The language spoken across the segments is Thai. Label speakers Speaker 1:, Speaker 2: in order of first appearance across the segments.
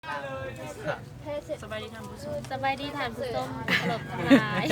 Speaker 1: สบายดีทำผู้ชมสบายดีทำผู้ชมตลบหลาย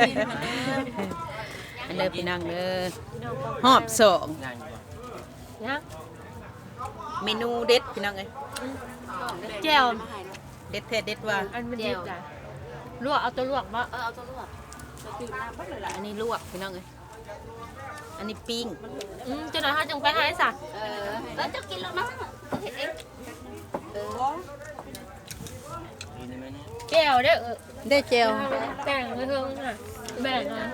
Speaker 2: อันเด้อพี่น้องเด้อหอบสอง
Speaker 1: นะ
Speaker 2: เมนูเด็ดพี่น้องเอ้ย
Speaker 1: แจ่ว
Speaker 2: เด็ดแท้เด็ดว่า
Speaker 1: อันมันเด็ดจ้ะลวกเอาตัวลวกมา
Speaker 3: เอาตัวลวกจะตื่นมาปั๊บเลยล่ะ
Speaker 2: อันนี้ลวกพี่น้องเอ้ยอันนี้ปิ้ง
Speaker 1: จะหน่อยเขาจังไปให้สัก
Speaker 3: แล้วจะกินแล้วมั้งเห็นเอง
Speaker 1: แจ่วเด้อ
Speaker 2: ได้เจล
Speaker 1: แบ่งเพิ่งค่ะแบ่งอ่ะ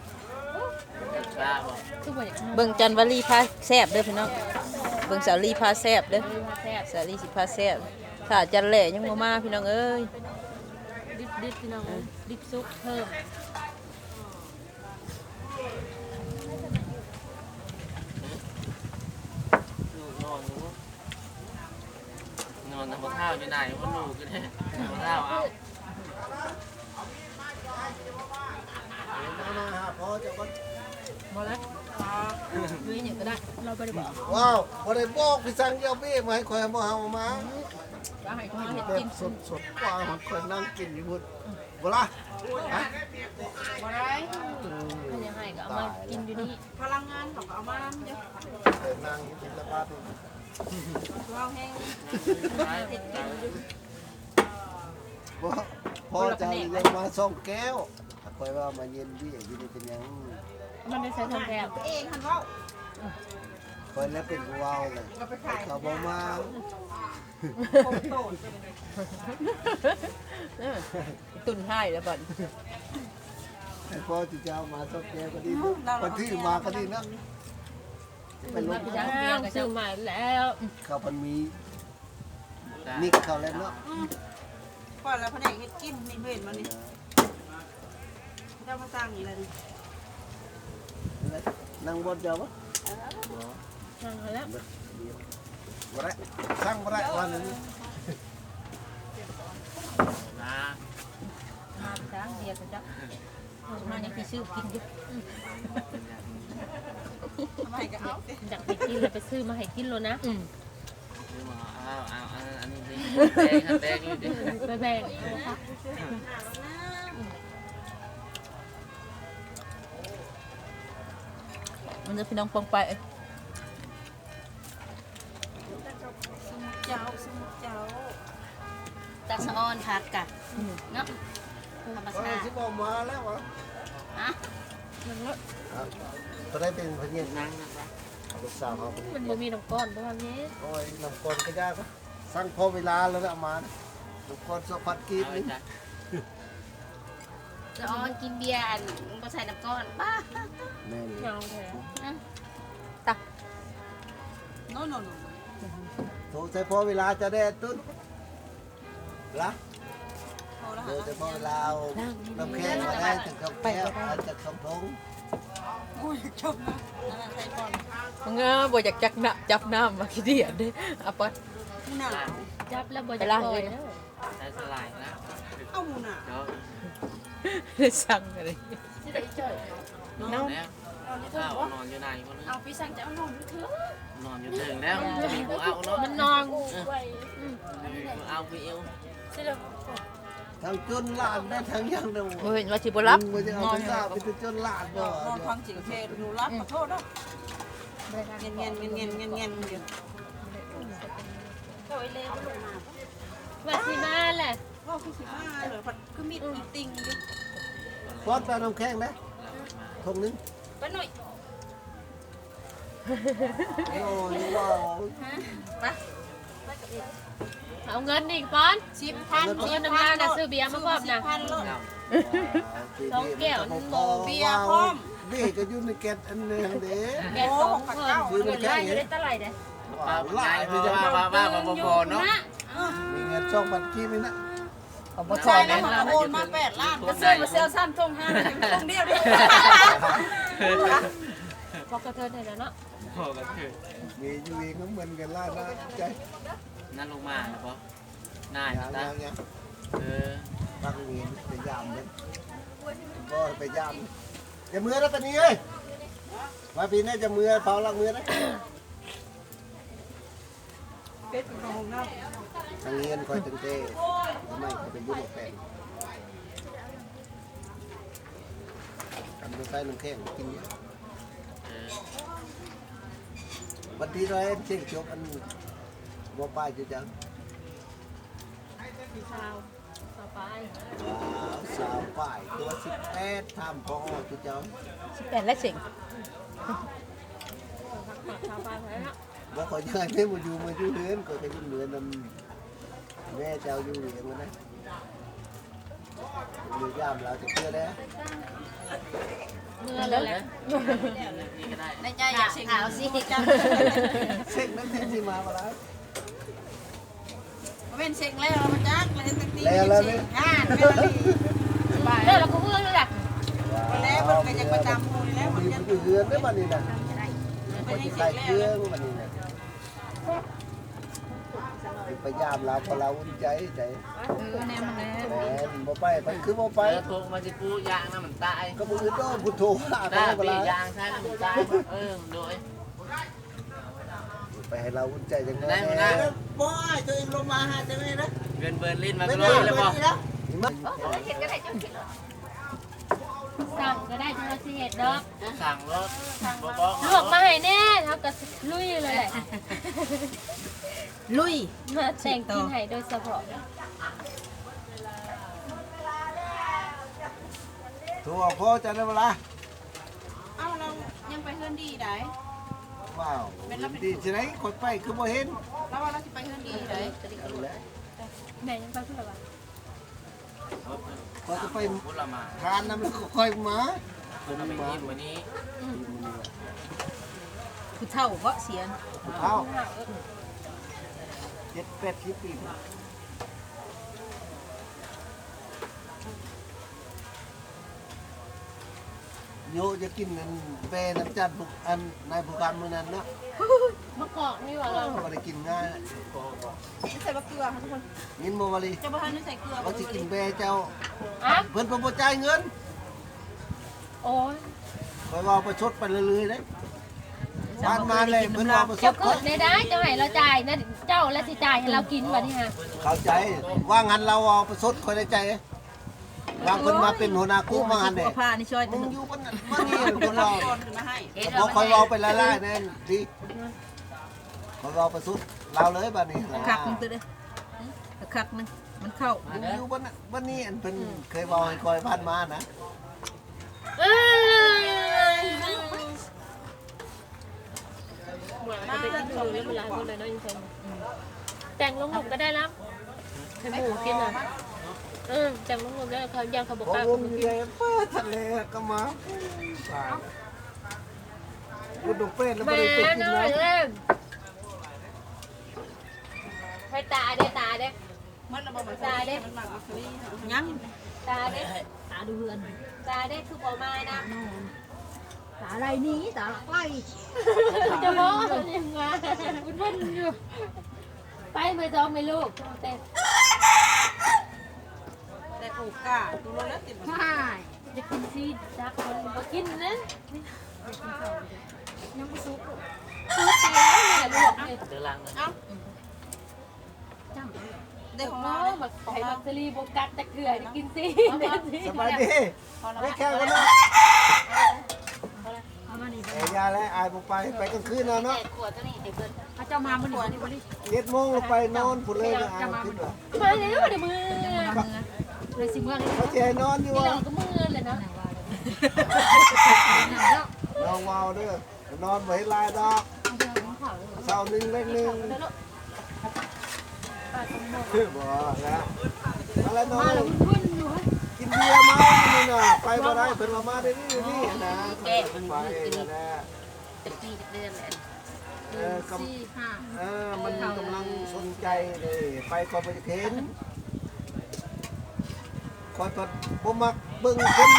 Speaker 1: คือบ่อยาก
Speaker 2: เบิ่งจันวลีพาแซ่บเด้อพี่น้องเบิ่งสาลีพาแซ่บเด้อ
Speaker 1: แซ่บ
Speaker 2: สาลีสิพาแซ่บถ้าจันแหล่ยังบ่มาพี่น้องเอ้ย
Speaker 1: ดิบพี่น้องดิบซุปเพิ่ม
Speaker 4: นอนทำข้าวอยู่ไหนว่าลูกก็ได้ทำข้าวเอา
Speaker 1: บ่แล้วมีอย่างก็ได้เราไปได้บอก
Speaker 5: ว้าวพอได้บอกพี่สั่งเยี่ยวพี่มาให้คอยมาเอามา
Speaker 1: ว่าให้เขาเห็ด
Speaker 5: แบบ
Speaker 1: กิน
Speaker 5: สดๆกว่าของคนนั่งกินอยู่พุ่นบ่ล่ะฮะ
Speaker 3: บ่ได้
Speaker 1: มันยังไงก็เอามากินอยู่นี่
Speaker 3: พลังงานของเอามาเยอะ
Speaker 5: เดินนั่งกินละบาท
Speaker 3: เราแห้ง
Speaker 5: บ่พอจะยังมาส่งแก้วคอยว่ามาเย็นพี่อยู่นี่เป็นหยัง
Speaker 1: มันได้ใช้ทองแก้ว
Speaker 3: เองคันว่า
Speaker 5: คอยแล้วเป็นว้าวเลยเขาบ่มา
Speaker 2: ตุนให้แล้วบัด
Speaker 5: ให้พ่อที่จะเอามาส่งแก้วก็ดีคนที่มาก็ดีนะเป็นลม
Speaker 1: จ้างซื้อใหม่แล้ว
Speaker 5: เขามันมีนิกเขาแล้วเนาะ
Speaker 3: ก่อนแล้วแผนกเฮ็ดกินนี่เห็นมันนี่เจ้ามาสร้างนี่เลย
Speaker 5: นั่งบนเดียวปะ
Speaker 1: สั่งแล้ว
Speaker 5: บ่ได้สั่งบ่ได้วันนี้
Speaker 4: นะ
Speaker 2: มาจ้างเดียวจ้ะมายังสิซื้อกินอยู่
Speaker 3: ทำไมก็เอาสิ
Speaker 1: อยากไปกินเลยไปซื้อมาให้กินเลยนะ
Speaker 4: คือมาเอาอันนี้ดิแดงอยู่ดิ
Speaker 1: ไปแบ่ง
Speaker 2: มันจะพี่น้องปองไปเอ้ย
Speaker 3: เจ้าสมุเจ้าตาสะออนผักกะเนาะธรรมชาติ
Speaker 5: สิบอกมาแล้ววะ
Speaker 3: ฮะ
Speaker 5: ตัวได้เป็นพญานา
Speaker 4: นั่
Speaker 5: ค
Speaker 4: งนะครับ
Speaker 5: ลูกสาวเขา
Speaker 1: มันบ่มีน้ำก้อนเพราะว่านี้
Speaker 5: โอ้ยน้ำกลก็ยากนะสั่งพอเวลาแล้วนะมานะน้ำกลสพัดกีบ
Speaker 4: เอา
Speaker 5: นี่
Speaker 4: จ้ะ
Speaker 3: สะออนกินเบียร์บ่ใส่น้ำก้อนบ้า
Speaker 5: แม่นี่
Speaker 1: เงาแท้
Speaker 3: โน่น
Speaker 5: โทรใช้พอเวลาจะได้ตุ้นละ
Speaker 3: พอแล้ว
Speaker 5: เดี๋ยวจะพอเวลาเอาน้ำแข็งมาได้จากกาแฟมาจากกระพง
Speaker 3: โอ้ยชมนะใส่ก่อน
Speaker 2: มึงบ่อยากจับน้ำมาขี้เดียดเด้เอาไป
Speaker 3: มูหนาว
Speaker 1: จับแล้วบ่จะปล่อยแล้ว
Speaker 4: ใช้สลายนะ
Speaker 3: เอามูหนาว
Speaker 4: เดี๋ยว
Speaker 2: ได้สั่งอะไร
Speaker 4: นอนแล้วข้าวนอนอยู่ไหนคนนึง
Speaker 3: เอาพี่สั่งจะเอานอนเถอะ
Speaker 4: นอนอยู่ถึงแล้วจะมีกูเอาเนาะ
Speaker 1: มันนอน
Speaker 4: กูเอากูเอว
Speaker 5: ทั้งจนหลานได้ทั้งยังเดียว
Speaker 2: บ่เห็นว่าสิบ่รับ
Speaker 5: มันจะเอาไปทราบไปจนหลานบ่
Speaker 3: นอนฟังเสียงเพลงหนูรับขอโทษนะเงี้ยอยู่โอ้ยเร็วลงมา
Speaker 1: ว่าสิมาแหละ
Speaker 3: ว่าพี่สิมาเหรอพัดคือมีดอีติงอยู่
Speaker 5: ป้อนตาน้ำแข็งนะทงนึง
Speaker 3: ไปหน่อย
Speaker 5: โอ้ยว้าว
Speaker 3: ไป
Speaker 1: เอาเงินอีกป้อน
Speaker 3: 10,000
Speaker 1: เอาเงินน้ำงานนะซื้อเบียร์มาพร้อมนะ
Speaker 3: 10,000โลด
Speaker 1: สองแก้วนึง
Speaker 3: เบียร์พร้อม
Speaker 5: นี่ก็อยู่ในแกนอันนึงเด้
Speaker 1: แก้วสองคน
Speaker 5: คือมันแค่นี้
Speaker 1: เท่าไหร่เด้
Speaker 4: ป้าหลายที่จะว่าบอเนาะ
Speaker 5: มีเงินช่องบัตรกี้นี่นะ
Speaker 2: เอาบ่
Speaker 3: ใช่
Speaker 2: ใช่
Speaker 3: แล้
Speaker 2: แล้ว ว
Speaker 3: โอนมา8 ล้านก็ซื้อมาเซลซ้ำทง5ทงเดียวดิ
Speaker 1: พอกระเทินได้แล้วเนาะ
Speaker 4: พอกันคือ
Speaker 5: มีอยู่เองก็เหมือนกันล่านะใจ
Speaker 4: นั่นลงมานะปะนาย
Speaker 5: อย่าง
Speaker 4: ตา
Speaker 5: อย่าง
Speaker 4: เออ
Speaker 5: ตั้งเวียนไปยามเลยก็ไปยามจะมือแล้วตอนนี้เอ้ยมาปีนี้จะมือเผาลักมือนะ
Speaker 3: เป็ดของน้ำ
Speaker 5: ทางเงินคอยตั้งแต่ไม่จะเป็นยุ่งแปลงทำด้วยไฟน้ำแข็งกินเนี่ย วันที่เราเช็คจบอันบ่ป้ายจะจัง
Speaker 1: สาวไป
Speaker 5: สาวป้ายตัว18ทำพอจะจัง
Speaker 2: 18และเสิง
Speaker 1: สาวไปไปแล้ว
Speaker 5: บ่ขอยังไงไม่มาอยู่เรือนก็จะอยู่เรือนนำแม่เจ้าอยู่เรียงนะมือย่ามเราจะเพื่อแล้ว
Speaker 1: เมื่อแล้วแหละ
Speaker 4: นี่ก็ได้
Speaker 3: ในใจอยากขาวสิจ้า
Speaker 5: เช็คนั่นที่มาแล้ว
Speaker 3: เป็นเช็คแล้วมาจักเลยตั้งตี
Speaker 5: แล้วนี่
Speaker 3: ไม่ได้
Speaker 1: แล้วเราก็เมื่อแล้วแหละ
Speaker 3: แล้วมันก็ยังประจำอยู่แล้ว
Speaker 5: มั
Speaker 3: มัน น
Speaker 5: ยั
Speaker 3: ยัง ง
Speaker 5: อยู่เรือนได้บัดนี้นะ
Speaker 3: ไม่
Speaker 5: คน
Speaker 3: ได้
Speaker 5: ที่
Speaker 3: เช็
Speaker 5: ใส่
Speaker 3: ค
Speaker 5: เค
Speaker 3: แล้
Speaker 5: รื่อ
Speaker 3: ว
Speaker 5: งบัดนี้นะพยายามเราพอเราอุ่นใจ
Speaker 2: แนมมาแล้ว
Speaker 5: แหมบ่ไปมันคือบ่ไป
Speaker 4: ไปโทรมาสิปูยางน้ำมันตาย
Speaker 5: ก็มือโต้พุทโธหา
Speaker 4: ได้
Speaker 5: เว
Speaker 4: ปี
Speaker 5: ลาย
Speaker 4: างใช่น้ำมันตายโดย
Speaker 5: ไปให้เราอุ่นใจจัง
Speaker 4: ได้มาได้
Speaker 3: บ่ตัวเองลงมาหาจะไม่ได้
Speaker 4: เงินเบิร์ลินมาก็เลยแล้วบอก
Speaker 1: สั่งก็ได้ทุกสิเหตุดอก
Speaker 4: สั่งรถบอก
Speaker 1: ลวกมาให้แน่เท่ากับลุยเลยแหละ
Speaker 2: ลุย
Speaker 1: มาแต่งกินให้โดยเฉพาะ
Speaker 5: ถูกพ่อจะได้เวลา
Speaker 3: เอ้าเรายังไปเฮือนดีได้
Speaker 5: ว้าวดีสิไหนคนไปคือบ่เห็น
Speaker 3: แล้วว่าเราจะไปเฮือนดีได้
Speaker 1: แม่ยังไปเพื่ออะไร
Speaker 5: พอจะไป
Speaker 4: พูดละมา
Speaker 5: ทานน้ำแล้วก็ค่อยมา
Speaker 4: คุณเอาไปกินวันนี้
Speaker 2: ผู้เฒ่าบ่เสีย
Speaker 5: เอา7-8 ปีโยจะกินอันเปน้ำจัดบุกอันนายผู้การมื้อนั้นเนาะ
Speaker 1: มะกอกนี่ว่าเรา
Speaker 5: บ่ได้กินง่าย
Speaker 3: ใส่บะเกลือค่ะทุกคน
Speaker 5: ยินบ่ว่าลี
Speaker 3: จะบ่ทันได้ใส่เกลือ
Speaker 5: เขาสิกินเปเจ้า
Speaker 1: อ่ะ
Speaker 5: เพิ่นบ่จ่ายเงิน
Speaker 1: โอ้ย
Speaker 5: คอยว่าประชดไปเรื่อยๆเด้บ้านมาเลยเพิ่นว่าประช
Speaker 1: เจ้า
Speaker 5: ด
Speaker 1: เกิดในได้เจ้าให้เราจ่ายนะเจ้าและสิจ่ายให้เรากินแบบนี้ฮะ
Speaker 5: เข้าใจว่างั้นเราเอาประชดคอยได้ใจวางเพิ่นมาเป็นหัวหน้ากู้มางั้นเด้
Speaker 2: ผ้านี่ช่วย
Speaker 5: มึงอยู่มันมันนี่คนเรา
Speaker 3: ก่อนขึ้นมาให้
Speaker 5: พอคอยเว้าไปละลายแน่นดีคอยเว้าประชดเราเลยบัดนี้
Speaker 2: คักนึงตัวเด้อคักนึงมันเข้า
Speaker 5: อยู่บ้านนี้อันเพิ่นเคยเว้าให้คอยผ่านมานะ
Speaker 1: เอ้ย
Speaker 3: มาแล้วชมไม่รู้ก่อน
Speaker 1: แต่งลงหลุมก็ได้แล้วให้หมูกินอ่ะแต่งลงหลุมได้เขายังเขาบอก
Speaker 5: พอ
Speaker 1: ว่าว
Speaker 5: งอยู่เลยเปิดทะเลก็มาตายกูดูเป็ดแล้ว
Speaker 1: แม่
Speaker 5: บ่ได้ไปกิน
Speaker 1: น้อ
Speaker 5: เลย ย
Speaker 1: เล่นให้ตาเด้ตาเด้
Speaker 3: มันระบบมันมันหมักอัครี
Speaker 2: ยัง
Speaker 1: ตาเด้ตาดูเฮือนตาเด้คือบอกมานะ
Speaker 2: ตาอะไรนี้ตาไล่
Speaker 1: จะบอกยังไงคุณพ่ออยู่ไปไม่จองไม่ลูกแต่
Speaker 3: แต่โอกาสดูแล้วติด
Speaker 1: ใช่จะกินซีดักคนมากินนะยังไม่สุกสุกแล้วแม่ลูกเลย
Speaker 4: เดือดรังเลย
Speaker 1: จัง
Speaker 3: ได้ของ
Speaker 1: น้
Speaker 3: เรา
Speaker 1: องแบบไข่บักซรีโบกัสตะเกียกินซี
Speaker 5: สบายดีไม่แค่กันนะเอ้ยยาแล้วอายบ่ไปกลางคืนนะเนาะ
Speaker 3: ขวดตัวนี้ให้เพิ่น
Speaker 2: พระเจ้ามามื้อนี้บ่ได้
Speaker 5: 7 โมงลงไปนอนพุ่นเลยนะอายคิดว่า
Speaker 1: มาแล้วเดี๋ยวมือ
Speaker 2: เลยสิเมื่อเลย
Speaker 5: เขาสิให้นอนอยู่
Speaker 1: นี่
Speaker 5: ว่า
Speaker 1: เราก็มือเลยนะ
Speaker 5: น้องวาวเด้อนอนบ่เห็นลายดอกเช้านึงเล็กนึงคือบ่แล้วอะไรนอนกินเบียร์มานี่น่ะไปบ่ได้เพิ่นว่ามาได้นี่นะไปนะ
Speaker 3: จะปีเดือนแหละ
Speaker 5: มันกำลังสนใจเลยไปก็ไปเห็นคอยก็บ่มักเบิ่งคน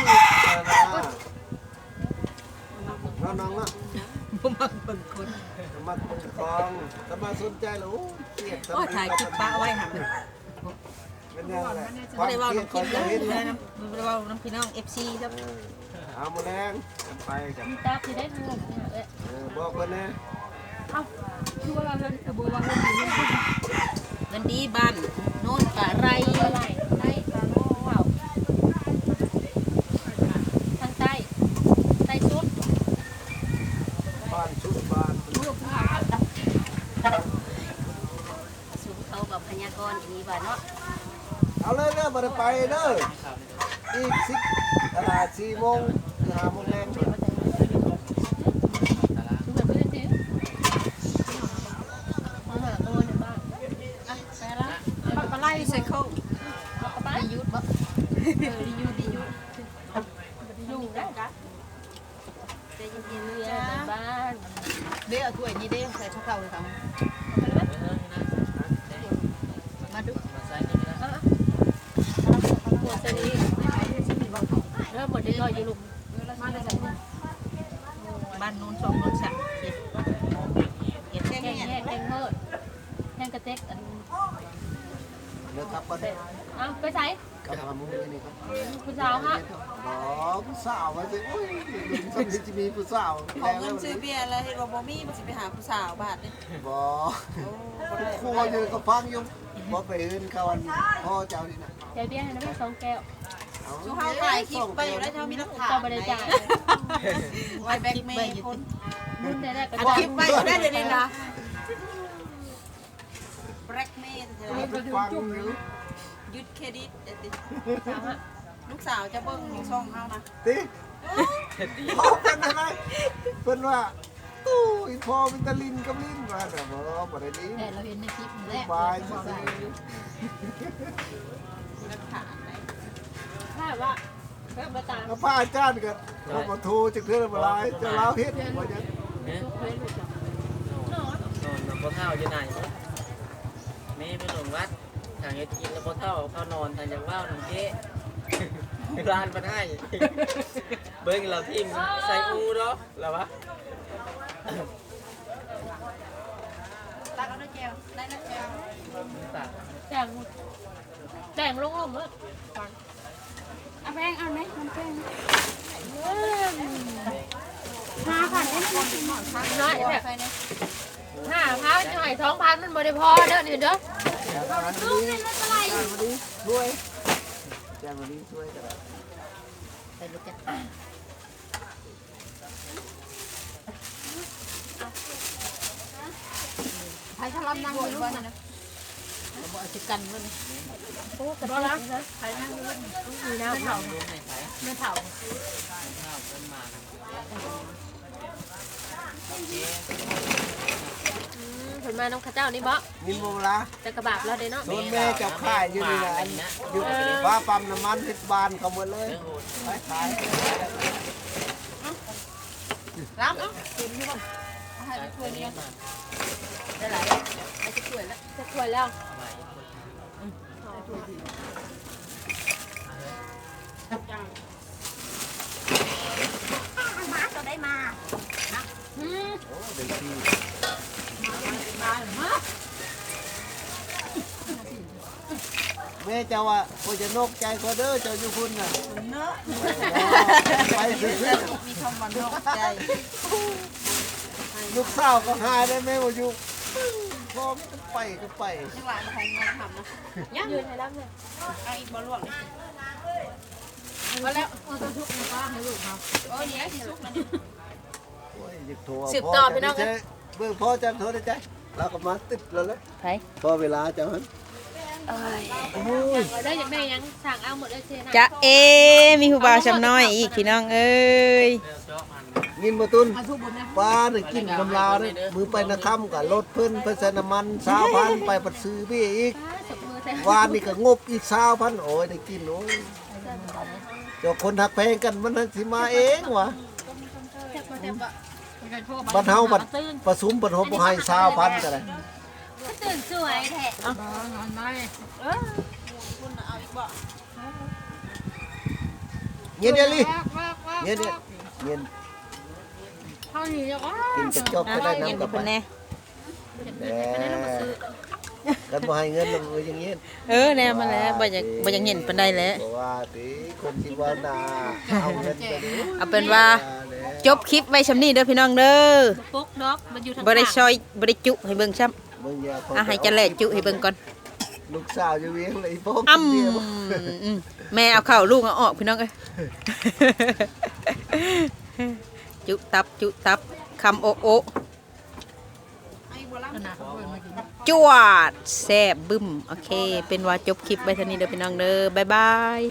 Speaker 5: นะน้องๆนะ
Speaker 2: บ่มักเบิ่งคน
Speaker 5: มักเบิ่งของถ้ามาสนใจแล้วเครียด
Speaker 2: โอ้ถ่ายคลิปป้าไว้หั่น
Speaker 5: เป็นยังไง
Speaker 2: บ่ได้เว้า
Speaker 5: เครีย
Speaker 2: น้ำ
Speaker 5: ด
Speaker 2: คลิป
Speaker 5: ก็
Speaker 2: แล้ว
Speaker 5: เห็น
Speaker 2: นะบ่ได้เว้าน้ำพี่น้อง FC ครับ
Speaker 5: เอามาแรงไปกัน
Speaker 1: ตาคือได้ทั้งหมดเลย
Speaker 5: บอกเพิ่นนะ
Speaker 1: เอ้าคือว่าเราเดินกระบวนการเดินอยู่
Speaker 2: เงินดีบ้านโน่นกะไร
Speaker 1: อะไรใต้ตาโล่เปล่าทางใต้ใต้สุด
Speaker 5: บ้านชุดบ้าน
Speaker 3: สูงเขากับพยากรณ์อย่างนี้ว่าเนาะ
Speaker 5: เอาเลยเด้อบ่ได้ไปเด้ออีก4 โมง5 โมงแรง
Speaker 1: คือแบบเพื่อนดิมาหาตัวในบ้าน
Speaker 2: อ่ะไปละ
Speaker 1: ปักปลาไหล
Speaker 2: ไซเคิล
Speaker 1: ปักปลาไหล
Speaker 2: ยุดบ่ดียุด
Speaker 1: อยู่ได้จ้ะ
Speaker 3: ใจเย็น
Speaker 1: เรือในบ้าน
Speaker 2: เด้เอาถ้วยนี้เด้ใส่ข้าวเลยครับมาดู
Speaker 4: มาใส่นี่นะ
Speaker 1: หัวเสนีเริ่มหมดได้ลอยอยู่ลุม
Speaker 2: บ้านโน้น2 โน้น3เก็บ
Speaker 1: แกงแยกแกงเฮิร์ดแกงกระเต็กอัน
Speaker 5: เด้อครับบ่ได้
Speaker 1: อ้าวไปใส่
Speaker 5: กับหาหมูนี่ครับ
Speaker 1: ผู้สาวฮะ
Speaker 5: อ๋อผู้สาวว่าสิโอ้ยสักนิดจะมีผู้สาว
Speaker 6: ขอเงินซื้อเบียร์แล้วเห็นว่าบ่มีมันสิไปหาผู้สาวบาทนี่
Speaker 5: บ่ครัวอยู่กับฟังอยู่บ่ไปอื่นเขาอันพ่อเจ้านี่นะ
Speaker 1: ใจเบี้ยให้น้ำแม่2 แก้ว
Speaker 6: ชูเฮาถ่ายคลิปไปอยู่แล้วเจ้ามีหลักฐาน
Speaker 1: เจ้าบริจาค
Speaker 6: ไว้แบ็คเมย์คน
Speaker 1: บุญได้ก็
Speaker 6: อัดคลิปไปอยู่ได้เดี๋ยวนี้นะแบล็กเมย์เธอ
Speaker 5: ฟังอยู่
Speaker 6: ยึดเครดิตเดี๋ยวติ
Speaker 1: สาวฮะ
Speaker 6: ลูกสาวจะเบิ่งช่องเฮานะ
Speaker 5: ติพ่อเป็นอะไรเพิ่นว่าตู้อีพ่อมีแตะลินกับลิ้นว่าแต่บ่ได้ลิ้น
Speaker 2: แต่เราเห็นในคลิปแหละ
Speaker 5: บายซื่อ
Speaker 6: มีหลักฐานไหม
Speaker 1: ถ้าว่าเพิ่มประจาน
Speaker 5: ๆแล้วพระอาจารย์ก็เขามาโทรจักเทื่อบ่หลายจะลาวเฮ็ดบ่จัง
Speaker 4: เนี่ย
Speaker 1: ลูกเว้นลูกจับ
Speaker 4: นอนน้ำพอเท่าอยู่ไหนแม่ไปหลงวัดทางเฮ็ดกินแล้วพอเท่าเข้านอนทางจากว่าวหนังเก๊ร้านมาได้เบิ้งเราทีมใส่อูเนาะแล้ววะ
Speaker 6: ตักเอาด้วยแก้วได้นะแก้ว
Speaker 4: ตัด
Speaker 1: แต่งลงเลย
Speaker 6: เอาแพงเอาไหมมันแพง
Speaker 1: น้อยแบบ5,000จะให้2,000มันบ่ได้พอเด้อนี่เด้อ
Speaker 5: ลูกนี่ไม่เป็นไรช่วยแจ้งวันนี้ช่วยก็ได้
Speaker 2: ใส่ลูกจ้ะไผทะลำนั่งอยู่ลูกนะบ่เอาสิกันมัน
Speaker 1: โอ้กระโดดนะใครนั่งอยู่มีน้ำเผา
Speaker 4: ลูกในไผ่
Speaker 2: ไม่เฒ่า
Speaker 4: ข้าวเพิ่นมานะ
Speaker 1: ผลมาน้องข้าเจ้านี่บ่
Speaker 5: นินโมลา
Speaker 1: แต่กระบาบเราเด้เนาะ
Speaker 5: โดนแม่จับค่ายอยู่นี่นะอันอยู่ฟ้าปั๊มน้ำมันทิศบานเขาหมดเลย
Speaker 4: เรื่องโหด
Speaker 5: ไปขาย
Speaker 6: รับเนาะกินอยู่บ่เอาให้ถ้วยนี้
Speaker 2: ได้หลายไอ้จะช่วยแล้ว
Speaker 1: จะสวยแล้ว
Speaker 3: ก็ได้มา
Speaker 5: โอ้เด็กที่แม่เจ้าว่าโคจะนกใจก็เด้อเจ้าอยู่พุ่นน่ะ
Speaker 6: เนาะ
Speaker 5: ไปซื้อ
Speaker 6: มีคำว่านอกใจ
Speaker 5: ลูกสาวก็หายได้แม่ว่าอยู่พ่อก็ไป
Speaker 6: จังหวะของเงินทำนะ
Speaker 1: ยืนให้รับเลย
Speaker 6: เอาอีกบ่ลวกนี่
Speaker 2: ก็แล้วเอาตัวทุกข์มาให้ลูกเขา
Speaker 6: โอ้ยเดี๋ยวสิสุกแล้วนี่
Speaker 5: โอ้ยอยากโทรพ่อเบิ่งพ่อจังโทรได้ใจเราก็มาติดแล้วแหละ
Speaker 2: ไผ
Speaker 5: พอเวลาเจ้าหัน
Speaker 1: อยากได้อยากได้ยังสั่งเอาหมดเลยเชนะ
Speaker 6: จะมีผู้บ่าวชำน้อยอีกพี่น้องเอ้ย
Speaker 4: เรื่องเจาะมัน
Speaker 5: งินมาตุน
Speaker 2: เอาทุกบนนะ
Speaker 5: ปลาเนี่ยกินกำลาวเนี่ยมือไปนะค่ำกับรถเพิ่นใส่น้ำมัน20,000ไปปัดซื้อพี่อีก
Speaker 1: สมือแท้
Speaker 5: วานนี่ก็งบอีก20,000โอ้ยได้กินโอ้ยเจ้าคนหักแพงกันมันสิมาเองวะบัดเฮาบัดประสุมบัดเฮาบ่ให้20,000ก็ได้
Speaker 3: ตื่นสวยแท้
Speaker 2: นอนได้
Speaker 6: คุณเอาอีกบ่
Speaker 5: เงี้ยเดี๋ยวนี้เงี้ยเงี้ย
Speaker 1: เท่านี้แล้วก็
Speaker 5: กินจะจบจะได้น้ำกลับไปแหน่กันบ่ให้เงินนำอย่างเงี้ย
Speaker 6: แน่มาแล้วบ่อยากเห็นปานใดแล้ว
Speaker 5: เพราะว่าติคนที่ว่าน่าเอาเงินไปดิ
Speaker 6: เอาเป็นว่าจบคลิปไว้ชำนี้เด้อพี่น้องเด้อ
Speaker 1: ปุ๊กดอกมันอยู่ทาง
Speaker 6: บ่ได้ซอยบ่ได้จุให้เบิ่งซ้ำ
Speaker 5: มึงอย่า
Speaker 6: ให้จะแลจุให้เบิ่งก่อน
Speaker 5: เลูกสาวอยู่เวียงเลยพ่อ
Speaker 6: อ้
Speaker 5: กินเบียร์บ่
Speaker 6: ำแม่เอาเข้าลูกเอาออกพี่น้องเอ้ย จุตับคำโอะโอะ
Speaker 2: ขนาดเขาเพิ่นมากิน
Speaker 6: จวดแซ่บบึ้มโอเค เป็นว่าจบคลิปไว้เท่านี้เด้อพี่น้องเด้อบ๊ายบาย